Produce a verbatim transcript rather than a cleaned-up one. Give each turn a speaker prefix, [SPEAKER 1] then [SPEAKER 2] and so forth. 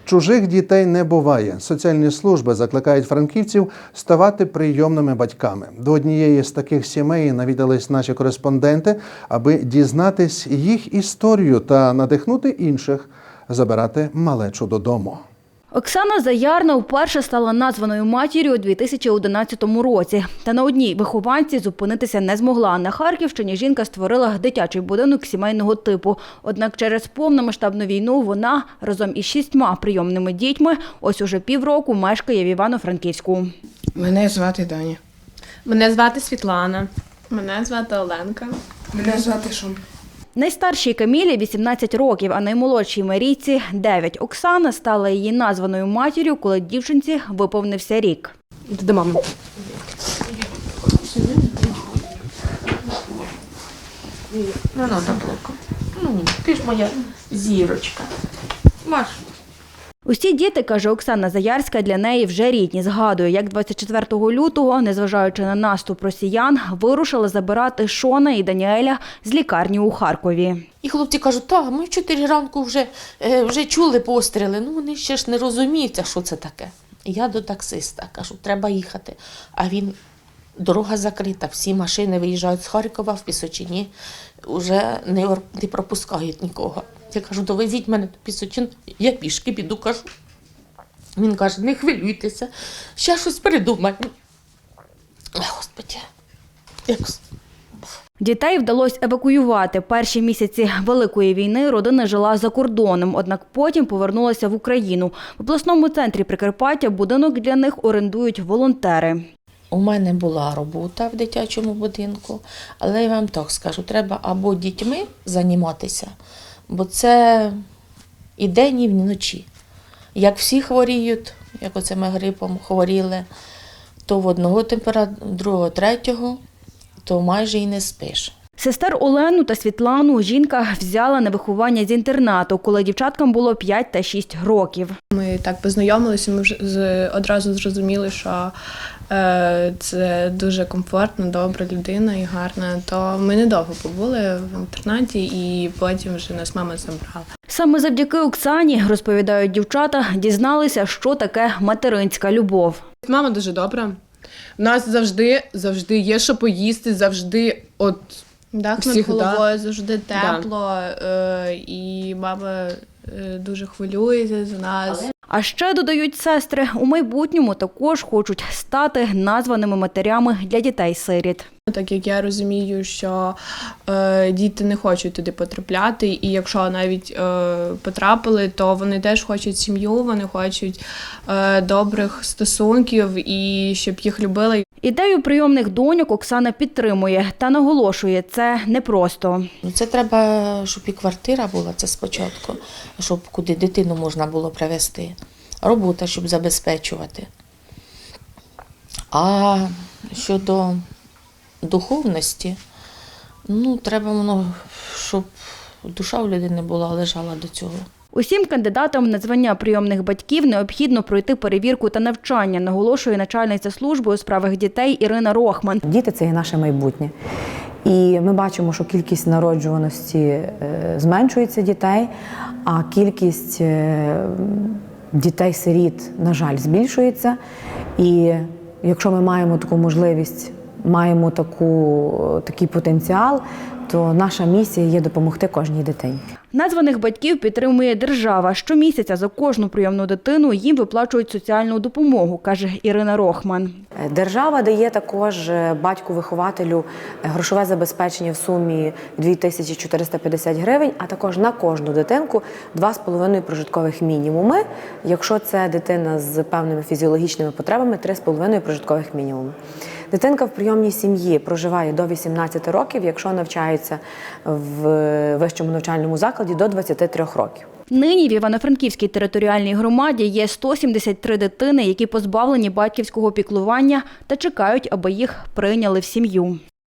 [SPEAKER 1] Чужих дітей не буває. Соціальні служби закликають франківців ставати прийомними батьками. До однієї з таких сімей навідались наші кореспонденти, аби дізнатись їх історію та надихнути інших забирати малечу додому.
[SPEAKER 2] Оксана Заярна вперше стала названою матір'ю у дві тисячі одинадцятому році. Та на одній вихованці зупинитися не змогла. На Харківщині жінка створила дитячий будинок сімейного типу. Однак через повномасштабну війну вона разом із шістьма прийомними дітьми ось уже півроку мешкає в Івано-Франківську.
[SPEAKER 3] Мене звати Даня.
[SPEAKER 4] Мене звати Світлана.
[SPEAKER 5] Мене звати Оленка.
[SPEAKER 3] Мене звати Шум.
[SPEAKER 2] Найстаршій Камілі вісімнадцять років, а наймолодшій Марійці – дев'ять. Оксана стала її названою матір'ю, коли дівчинці виповнився рік.
[SPEAKER 4] Іди до мами. Ну, ну, таблоку. Ну, ти ж моя зірочка. Маш.
[SPEAKER 2] Усі діти, каже Оксана Заярська, для неї вже рідні. Згадує, як двадцять четвертого лютого, незважаючи на наступ росіян, вирушила забирати Шона і Даніеля з лікарні у Харкові.
[SPEAKER 4] І хлопці кажуть, так, ми в чотири ранку вже, е, вже чули постріли. Ну, вони ще ж не розуміють, що це таке. І я до таксиста кажу, треба їхати. А він, дорога закрита, всі машини виїжджають з Харкова в Пісочині, вже не, не пропускають нікого. Я кажу, довезіть мене до Пісочин, я пішки піду, кажу. Він каже, не хвилюйтеся, ще щось придумаємо. Господи, якось.
[SPEAKER 2] Дітей вдалося евакуювати. Перші місяці Великої війни родина жила за кордоном, однак потім повернулася в Україну. В обласному центрі Прикарпаття будинок для них орендують волонтери.
[SPEAKER 4] У мене була робота в дитячому будинку, але я вам так скажу, треба або дітьми займатися, бо це і день, і вночі. Як всі хворіють, як оце ми грипом хворіли, то в одного температура, другого, третього, то майже і не спиш.
[SPEAKER 2] Сестер Олену та Світлану жінка взяла на виховання з інтернату, коли дівчаткам було п'ять та шість років.
[SPEAKER 5] Ми так познайомилися, ми вже з- одразу зрозуміли, що е, це дуже комфортна, добра людина і гарна. То ми недовго побули в інтернаті і потім вже нас мама забрала.
[SPEAKER 2] Саме завдяки Оксані, розповідають дівчата, дізналися, що таке материнська любов.
[SPEAKER 3] Мама дуже добра. У нас завжди, завжди є що поїсти, завжди от
[SPEAKER 5] Дах над
[SPEAKER 3] всіх,
[SPEAKER 5] головою
[SPEAKER 3] да.
[SPEAKER 5] завжди тепло, е, і мама е, дуже хвилюється за нас.
[SPEAKER 2] А ще, додають сестри, у майбутньому також хочуть стати названими матерями для дітей-сиріт.
[SPEAKER 5] Так як я розумію, що е, діти не хочуть туди потрапляти, і якщо навіть е, потрапили, то вони теж хочуть сім'ю, вони хочуть е, добрих стосунків і щоб їх любили.
[SPEAKER 2] Ідею прийомних доньок Оксана підтримує та наголошує, це непросто.
[SPEAKER 4] Ну, це треба, щоб і квартира була, це спочатку, щоб куди дитину можна було привезти. Робота, щоб забезпечувати. А щодо духовності, ну, треба воно, щоб душа у людини була, лежала до цього.
[SPEAKER 2] Усім кандидатам на звання прийомних батьків необхідно пройти перевірку та навчання, наголошує начальниця служби у справах дітей Ірина Рохман.
[SPEAKER 6] Діти – це є наше майбутнє. І ми бачимо, що кількість народжуваності е, зменшується дітей, а кількість е, дітей-сиріт, на жаль, збільшується. І якщо ми маємо таку можливість, маємо таку, такий потенціал, то наша місія є допомогти кожній дитині.
[SPEAKER 2] Названих батьків підтримує держава. Щомісяця за кожну прийомну дитину їм виплачують соціальну допомогу, каже Ірина Рохман.
[SPEAKER 6] Держава дає також батьку-вихователю грошове забезпечення в сумі дві тисячі чотириста п'ятдесят гривень, а також на кожну дитинку два з половиною прожиткових мінімуми. Якщо це дитина з певними фізіологічними потребами, три з половиною прожиткових мінімуми. Дитинка в прийомній сім'ї проживає до вісімнадцяти років, якщо навчається в вищому навчальному закладі до двадцяти трьох років.
[SPEAKER 2] Нині в Івано-Франківській територіальній громаді є сто сімдесят три дитини, які позбавлені батьківського піклування та чекають, аби їх прийняли в сім'ю.